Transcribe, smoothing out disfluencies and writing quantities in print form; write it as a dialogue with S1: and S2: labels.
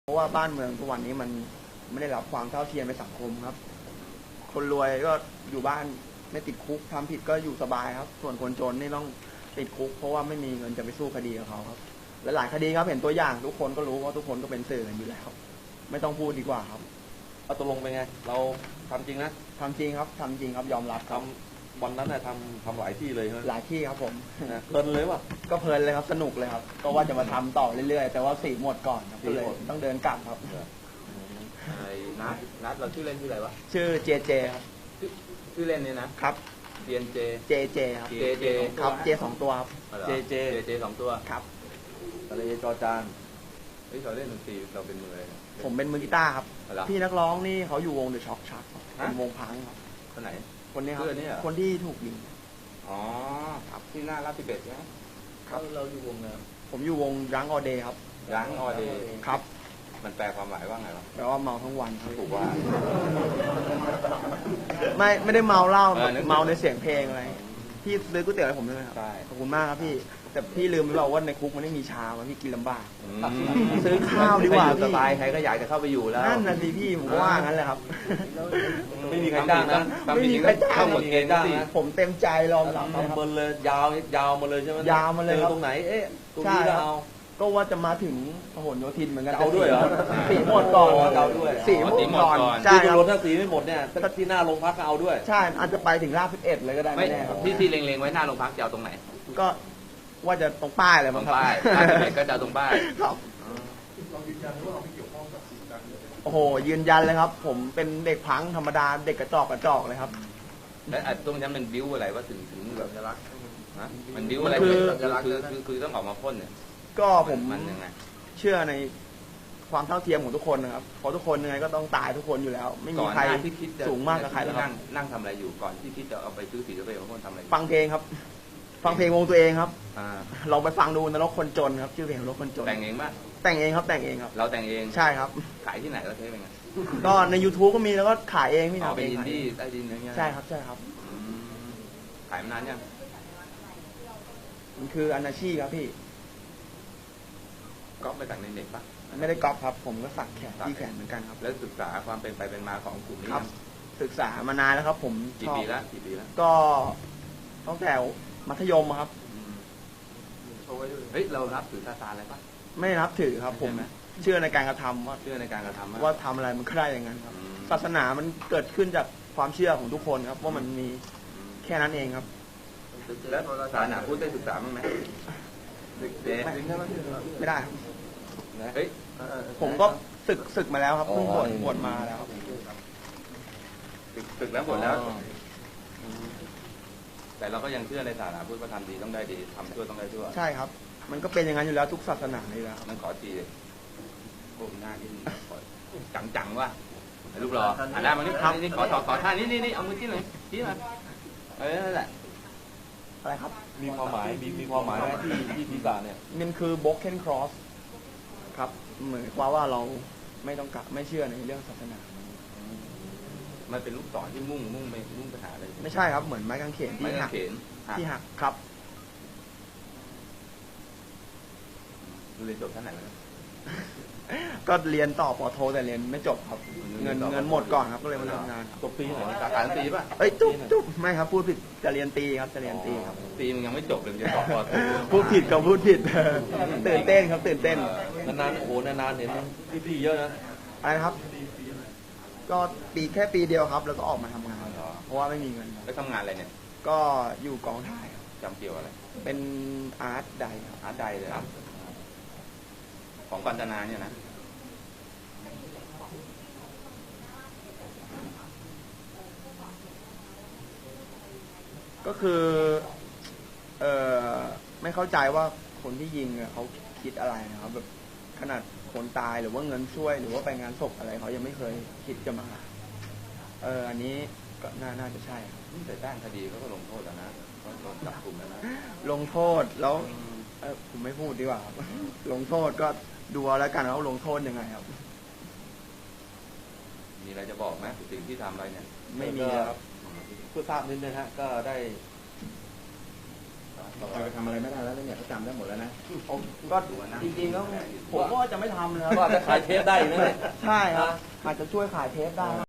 S1: เพราะว่าบ้านเมืองทุกวันนี้มันไม่ได้รับความเท่าเทียมในสังคมครับ คนรวยก็อยู่บ้านไม่ติดคุกทำผิดก็อยู่สบายครับ ส่วนคนจนนี่ต้องติดคุกเพราะว่าไม่มีเงินจะไปสู้คดีกับเขาครับและหลายคดีครับเห็นตัวอย่างทุกคนก็รู้ว่าทุกคนก็เป็นสื่อกันอยู่แล้วไม่ต้องพูดดีกว่าครับ
S2: เอาตกลงเป็นไงเราทำจริงนะ
S1: ทำจริงครับทำจริงครับยอมรับครับ
S2: วันนั้นน่ะทำหลายที่เลยใช่ไหม
S1: หลายที่ครับผม
S2: เพลินเลยป่ะ
S1: ก็เพลินเลยครับสนุกเลยครับก็ว่าจะมาทำต่อเรื่อยๆแต่ว่าสีหมดก่อนครับก็เลยต้องเดินกลับครับ
S3: ไอ้นัดเราชื่อเล่นชื่ออะไรวะ
S1: ชื่อเจเจครับ
S3: ชื่อเล่นเนี่ยนะครับเรียนเจ
S1: เจครับ
S3: เจ
S1: ครับเจสองตัวครับ
S3: เจสองตัว
S1: ครับ
S2: ทะเลจอจาน
S3: เราเล่นดนตรีเราเป็นมืออะไร
S1: ผมเป็นมือกีตาร์ครับพี่นักร้องนี่เขาอยู่วงเดอะช็อคชักเป็นวงพังครับ
S3: คนไหน
S1: คนนี้ครับคนที่ถูกยิง
S3: อ๋อครับที่หน้าลาด11ใช่ไหม
S1: ครับ
S3: เราอยู่วงเนี่ย
S1: ผมอยู่วงยังออเดย์ครับ
S3: ยังออเดย์
S1: ครับ
S3: มันแปลความหมายว่าไงวะ
S1: แปลว่าเมาทั้งวัน
S3: ถูกว่า
S1: ไม่ได้เมาเหล้าเมาในเสียงเพลงอะไรพี่ซื้อก๋วยเตี๋ยวให้ผมด้วยครับขอบคุณมากครับพี่แต่พี่ลืมไปบอกว่าในคุกมันไม่มีชามันพี่กินลำบากซื้อข้าวดีกว่าพี่
S3: สบายใครก็อยากจะเข้าไปอยู่แล้ว
S1: นั่นน่ะสิพี่ผมว่างั้นแหละครับ
S2: ไม่มีใครจ้างนะ
S1: ไม่มีใครจ้าง
S3: หมดเกณฑ์นะ
S1: ผมเต็มใจรอมรับ
S2: เบิร์เลยยาวมาเลยใช่ไหม
S1: ยาวมาเลย
S2: ตรงไหนตรงนี้เรา
S1: ก็ว่าจะมาถึงพหลโยธินเหมือนกัน
S2: เอาด้วยเหรอ
S1: สีหมดก่อน
S2: เอาด้วย
S1: สีหมดก่อน
S2: ใช่ครับถ้าสีไม่หมดเนี่ยถ้าที่หน้าโรงพักก็เอาด้วย
S1: ใช่อาจจะไปถึงราช11เลยก็ได้ไม่แน่ครับ
S3: ที่เล็งๆไว้หน้าโรงพักจะเอาตรงไหน
S1: ก็ว่าจะตรงป้ายเลยมั้งครับ
S3: ป้ายก็จะตรงป้าย
S1: ครับโอ้โหยืนยันเลยครับผมเป็นเด็กพังธรรมดาเด็กกระจอกเลยครับ
S3: แล้วตรงนั้นมันบิ้วอะไรว่าถึงแบบจะรักนะมันบิ้วอะไรคือต้องออกมาพ่นเนี่ย
S1: ก็ผม
S3: มันยังไง
S1: เชื่อในความเท่าเทียมของทุกคนนะครับเพราะทุกคนยังไงก็ต้องตายทุกคนอยู่แล้วไม่มีใครสูงมากกับใครแล้วครับ
S3: นั่งทำอะไรอยู่ก่อนที่คิดจะเอาไปซื้อสีสเปรย์ของคนทำอะไร
S1: ฟังเพลงครับฟังเพลงวงตัวเองครับลองไปฟังดูนรกคนจนครับชื่อเพลงนรกคนจน
S3: แต่งเองป่ะ
S1: แต่งเองครับแต่งเองครับ
S3: เราแต่งเอง
S1: ใช่ครับ
S3: ขายที่ไหนเราเทปเป็นไง
S1: ก็ใน YouTube ก็มีแล้วก็ขายเองพี่
S3: นะเป็นอินดี้ใต้ดินอะไรเงี้ย
S1: ใช่ครับใช่ครับ
S3: ขายมานานยัง
S1: มันคืออนาชีพครับพี่
S3: ก๊อปไปจากในเน็ตป่ะ
S1: ไม่ได้ก๊อปครับผมก็สักแขนที่แขนเหมือนกันครับ
S3: แล้วศึกษาความเป็นไปเป็นมาของกลุ่มนี้ครับ
S1: ศึกษามานานแล้วครับผม
S3: กี่ปีแล้ว
S1: ก็ตั้งแต่มัธยมครับ
S3: เฮ้ยเรารับถือซาตานอะไรป่ะ
S1: ไม่รับถือครับผมเชื่อในการกระทำว่าว่าทำอะไรมันได้อย่างนั้นครับศาสนามันเกิดขึ้นจากความเชื่อของทุกคนครับว่ามันมีแค่นั้นเองครับ
S3: แล้วศาสนาพูดได้ศึกษาบ้างไหม
S1: ไม่ได้เฮ้ยผมก็ศึกมาแล้วครับเพิ่งบวชมาแล้ว
S3: ศึกแล้วบวชแล้วแต่เราก็ยังเชื่อในศาสนาพุทธว่าทำดีต้องได้ดีทำชั่วต้องได้ชั่ว
S1: ใช่ครับมันก็เป็นอย่างนั้นอยู่แล้วทุกศาสนาเลยแล้ว
S3: นั่นขอทีเลยโอ้หน้าที่จังว่ะลูกรอได้มานี่ขอท่านี่เอามือที่ไหนที่มานั่นแหละ
S1: อะไรครับ
S2: มีความหมายมีความหมายที่ศีรษะเนี่ย
S1: มันคือ broken cross ครับเหมือนว่าเราไม่ต้องไม่เชื่อในเรื่องศาสนา
S3: มันเป็นลูกศรที่มุ่งไปหาอะไร
S1: ไม่ใช่ครับเหมือนไม้กางเขนที่หักครับ
S3: เรียนจบท่านไหนมา
S1: ก็เรียนต่อปอโทแต่เรียนไม่จบครับเงินหมดก่อนครับก็เลยมาทำงาน
S3: จบปีไหนสาขาตีป่ะ
S1: จุ๊บไม่ครับพูดผิดจะเรียนตีครับจะเรียนตีครับ
S3: ตีมันยังไม่จบเลยจะต่อปอโท
S1: พูดผิดกับพูดผิดตื่นเต้นครับตื่นเต้น
S2: นานโอ้โหนานเห็นพี่เยอะนะ
S1: อะไรครับก็แค่ปีเดียวครับแล้วก็ออกมาทำงานเพราะว่าไม่มีเงิน
S3: ไปทำงานอะไรเนี่ย
S1: ก็อยู่กองถ่าย
S3: จำเกี่ยวอะไร
S1: เป็นอาร์ตได
S3: เลยครับของกาญจนาเนี่ยนะ
S1: ก็คือไม่เข้าใจว่าคนที่ยิงเขาคิดอะไรนะครับแบบขนาดคนตายหรือว่าเงินช่วยหรือว่าไปงานศพอะไรเขายังไม่เคยคิดจะมาอันนี้ก็น่าจะใช่
S3: แต่ด้านคดีเขาก็ลงโทษแล้วนะเขาโดนจับกลุ่มแล้วนะ
S1: ลงโทษแล้วผมไม่พูดดีกว่าครับลงโทษก็ดูเอาแล้วกันว่าลงโทษยังไงครับ
S3: มีอะไรจะบอกไหมสิ่งที่ทำอะไรเนี่ย
S1: ไม่มีครับ
S2: เพื่อทราบนิดนึงฮะก็ได้
S4: ต่อไปทำอะไรไม่ได้แล้วเนี่ยเขาจำได้หมดแล้วนะ
S1: ก็จริงๆก็ผมก็จะไม่ทำเลยค
S2: ก็
S1: รับ
S2: อาจจะขายเทปได้อีกนะเนี่ย
S1: ใช่ครับ อาจจะช่วยขายเทปได้